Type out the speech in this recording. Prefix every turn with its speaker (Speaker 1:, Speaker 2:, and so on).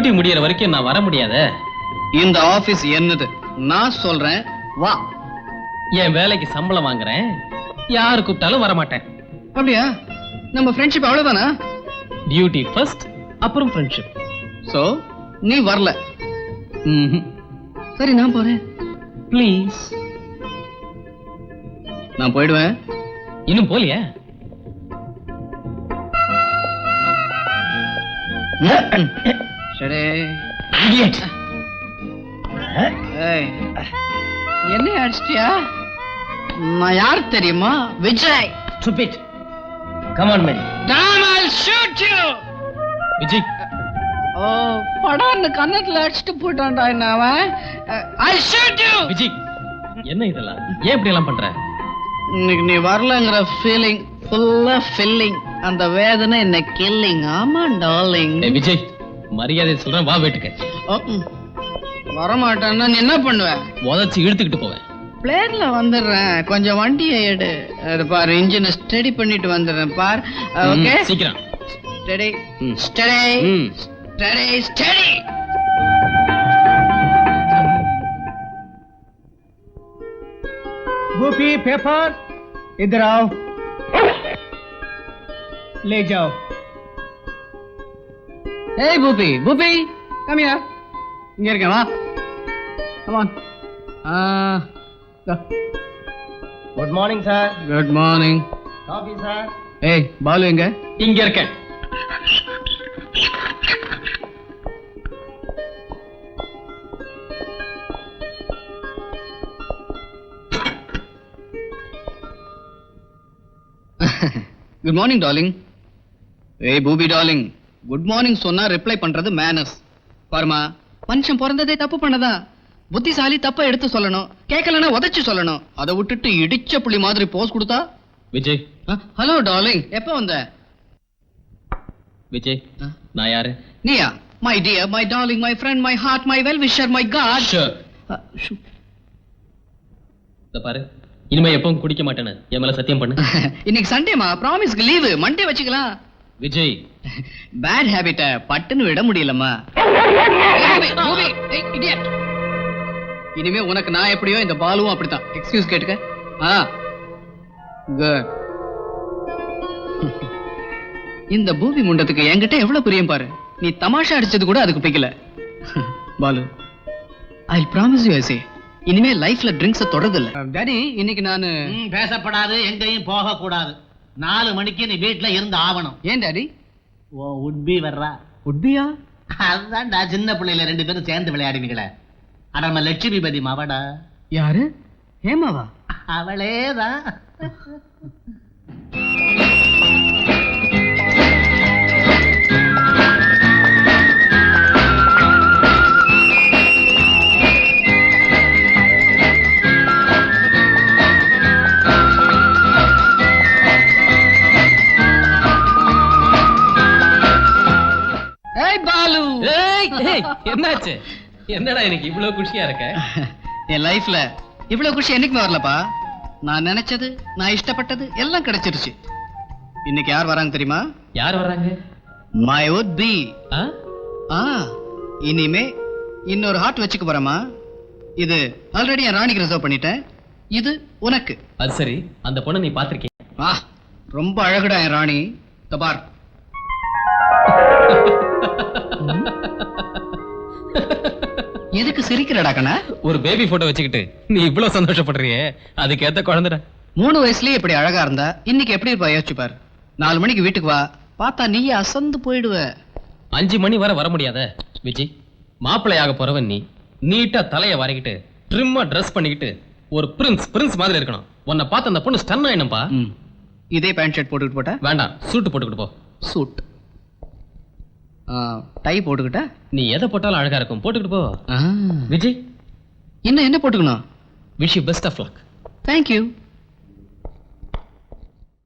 Speaker 1: Duty முடியற வரைக்கும் நான் வர முடியாதே.
Speaker 2: இந்த ஆபீஸ் என்னது, நான் சொல்றேன் வா.
Speaker 1: என் வேலைக்கு சம்பளம் வாங்குறேன், யாரு கூப்பிட்டாலும் வர மாட்டேன்.
Speaker 2: அப்படியா? நம்ம ஃப்ரெண்ட்ஷிப் அவ்வளவுதானா?
Speaker 1: டியூட்டி ஃபர்ஸ்ட், அப்புறம் ஃப்ரெண்ட்ஷிப்.
Speaker 2: சோ நீ வரல. சரி நான் போறேன்.
Speaker 1: ப்ளீஸ்.
Speaker 2: நான் போயிடுவேன்.
Speaker 1: இன்னும் போலியா?
Speaker 2: சரி.
Speaker 1: Idiot.
Speaker 2: என்ன அடிச்சிட்டியா? நான் யார் தெரியுமா? Vijay.
Speaker 1: Stupid. Come on, man.
Speaker 2: Damn, I'll shoot you.
Speaker 1: Vijay.
Speaker 2: ஓ, படான்னு கண்ணத்துல அடிச்சிட்டு போட்டான்டா என்ன அவன். I'll shoot you.
Speaker 1: விஜய், என்ன இதெல்லாம்? ஏன் இப்படி எல்லாம் பண்ற?
Speaker 2: இன்னைக்கு நீ வரலங்கிற ஃபீலிங் ஃபுல்லா ஃபில்லிங், அந்த வேதனை என்ன கில்லிங். ஆமா டார்லிங்.
Speaker 1: விஜய், மரியாதை சொல்றேன், வா வீட்டுக்கு.
Speaker 2: வரமாட்டேன்னா நீ என்ன பண்ணுவ?
Speaker 1: உதச்சி இழுத்துக்கிட்டு போவேன்.
Speaker 2: பிளேன்ல வந்துடுறேன், கொஞ்சம் வண்டியை எடு. அது பாரு, இன்ஜினை ஸ்டடி பண்ணிட்டு வந்துடுறேன் பார். ஓகே,
Speaker 1: சீக்கிரம்.
Speaker 2: Study study study study.
Speaker 3: Gopi paper इधर आओ, ले जाओ.
Speaker 2: Hey பூபி, பூபி come here. இங்க இருக்கேன், வா. Come on.
Speaker 3: Good morning sir.
Speaker 2: Good morning.
Speaker 3: Coffee sir.
Speaker 2: ஏய் பாலு எங்க?
Speaker 1: இங்க இருக்கேன்.
Speaker 2: Good morning darling. ஏய் பூபி டார்லிங், குட் மார்னிங் சொன்னா ரிப்ளை பண்றது மேனர்ஸ். பாருமா, மனுஷன் பிறந்ததே தப்பு பண்ணதா. புத்திசாலி தப்ப எடுத்து சொல்லணும், கேட்கலன்னா உதைச்சு சொல்லணும். அதை விட்டுட்டு இடிச்ச புள்ளி மாதிரி போஸ் கொடுத்தா.
Speaker 1: விஜய்.
Speaker 2: ஹலோ டார்லிங், எப்ப வந்த?
Speaker 1: விஜய், நான் யாரு?
Speaker 2: நீயா? My dear, my darling, my friend, my heart, my well wisher, my God.
Speaker 1: இத பாரு, இனிமே எப்பவும் குடிக்க மாட்டேன்னு என் மேல சத்தியம் பண்ணு.
Speaker 2: இன்னைக்கு சண்டேமா, ப்ராமிஸ்க்கு லீவு, மண்டே வச்சுக்கலாம்.
Speaker 1: விஜய்,
Speaker 2: பேட் ஹேபிட்ட பட்டுன்னு விட முடியலம்மா. இனிமே உனக்கு நான் எப்படியோ இந்த பாலுவும் அப்படித்தான். எக்ஸ்கியூஸ் கேட்டுக்க. குட். இந்த பூமி முண்டத்துக்கு என்கிட்ட எவ்வளவு பிரியம் பாரு. நீ தமாஷா அடிச்சது கூட அதுக்கு பிடிக்கல. Balu, I promise you I say, இனிமே லைஃப்ல ட்ரிங்க்ஸ் தொடறது இல்ல. டாடி, இன்னைக்கு நானு
Speaker 4: பேசப்படாது, எங்கேயும் போக கூடாது. 4 மணிக்கு நீ வீட்டுல இருந்து ஆவணும்.
Speaker 2: ஏன் டாடி?
Speaker 4: ஓ உட்பி வர்றா.
Speaker 2: உட்பியா?
Speaker 4: அதுதான்டா, சின்ன பிள்ளையில 2 பேரும் சேர்ந்து விளையாடினீங்களே. அட நம்ம லட்சுமிபதி மாவடா.
Speaker 2: யாரு? ஹேமாவா?
Speaker 4: அவளேதான்.
Speaker 1: என்னாச்சு? என்னடா எனக்கு இவ்வளவு குஷியா இருக்க?
Speaker 2: என் லைஃப்ல இவ்வளவு குஷி என்னைக்குமே வரலப்பா. நான் நினைச்சது, நான் இஷ்டப்பட்டது எல்லாம் கிடைச்சிருச்சு. இன்னைக்கு யார் வராங்க தெரியுமா?
Speaker 1: யார் வராங்க?
Speaker 2: My would be. இனிமே இன்னொரு ஹார்ட் வச்சுக்க போறமா. இது ஆல்ரெடி என் ராணிக்கு ரிசர்வ் பண்ணிட்டேன். இது உனக்கு.
Speaker 1: அது சரி, அந்த பொண்ணை நீ பாத்திருக்கீங்க?
Speaker 2: ரொம்ப அழகுடா என் ராணி. தபார். எதுக்கு சிரிக்கிறடா கண்ணா?
Speaker 1: ஒரு பேபி போட்டோ வச்சுக்கிட்டு நீ இவ்வளவு சந்தோஷப்படுறியே, அதுக்கு ஏத்த குழந்தைடா.
Speaker 2: 3 வயசுலயே இப்படி அழகா இருந்தா இன்னைக்கு எப்படி இருப்பா யோசிச்சு பாரு. 4 மணிக்கு வீட்டுக்கு வா, பார்த்தா நீயே அசந்து போயிடுவ.
Speaker 1: 5 மணி வர முடியாத விஜய். மாப்பிள்ளையாக போறவன் நீ, நீட்டா தலைய வரைக்கிட்டு ட்ரிம்மா ட்ரெஸ் பண்ணிக்கிட்டு ஒரு பிரின்ஸ் மாதிரி இருக்கணும். உன்னை பார்த்து அந்த பொண்ணு ஸ்டன் ஆயிடும்பா.
Speaker 2: இதே பேண்ட் ஷர்ட் போட்டுக்கிட்டு போட்டா?
Speaker 1: வேண்டாம், சூட்டு போட்டுக்கிட்டு போ.
Speaker 2: சூட். டை போட்டுக்கிட்டா?
Speaker 1: நீ எதை போட்டாலும் அழகா இருக்கும், போட்டுக்கிட்டு போ. விஜய்,
Speaker 2: இன்னும் என்ன போட்டுக்கணும்?
Speaker 1: Wish you best of luck.
Speaker 2: Thank you.